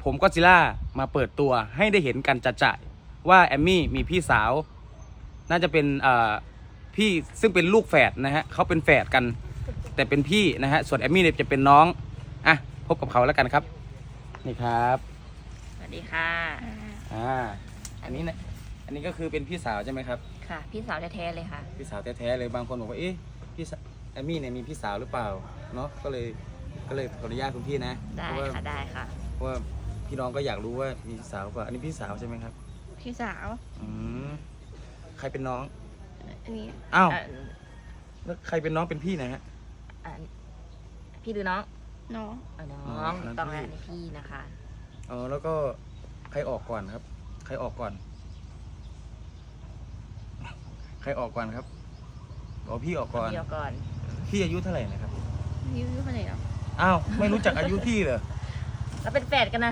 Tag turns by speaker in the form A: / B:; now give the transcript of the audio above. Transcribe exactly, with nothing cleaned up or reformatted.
A: ผมก็ซิล่ามาเปิดตัวให้ได้เห็นกันจะๆว่าแอมมี่มีพี่สาวน่าจะเป็นพี่ซึ่งเป็นลูกแฝดนะฮะเขาเป็นแฝดกันแต่เป็นพี่นะฮะส่วนแอมมี่เนี่ยจะเป็นน้องอ่ะพบกับเขาแล้วกันครับนี่ครับ
B: สวัสดีค่ะ
A: อ่าอันนี้นะอันนี้ก็คือเป็นพี่สาวใช่ไหมครับ
B: ค่ะ พี่สาวแท้ๆเลยค่ะ
A: พี่สาวแท้ๆเลยบางคนบอกว่าเอ๊ะพี่แอมมี่เนี่ยมีพี่สาวหรือเปล่าเนาะก็เลยก็เลยขออนุญาตคุณพี่นะ
B: ได้
A: เพราะว่า
B: ค่ะได้ค่ะ
A: เพราะว่าพี่น้องก็อยากรู้ว่ามีพี่สาวหรือเปล่าอันนี้พี่สาวใช่ไหมครับ
C: พี่สาว
A: อืมใครเป็นน้อง
C: อันนี้
A: อ้าว
B: อ่ะ
A: แล้วใครเป็นน้องเป็นพี่นะฮะ
B: อ่ะพี่หรือน้อง
C: น้อง
B: อ่ะน้
A: อ๋
B: อ
A: อง นั่น
B: ต้อง
A: พี่
B: อ่านพี่นะคะ
A: อ๋อแล้วก็ใครออกก่อนครับ ใครออกก่อน ใครออกก่อนครับอ๋อพี่ออกก่อน
B: เดียวก่อน
A: พี่อายุเท่าไหร่นะครับ
C: อายุเท่าไหร่แล้ว
A: อ้าวไม่รู้จักอายุพี่เหรอ
B: แล้วเป็นแฝดกันนะ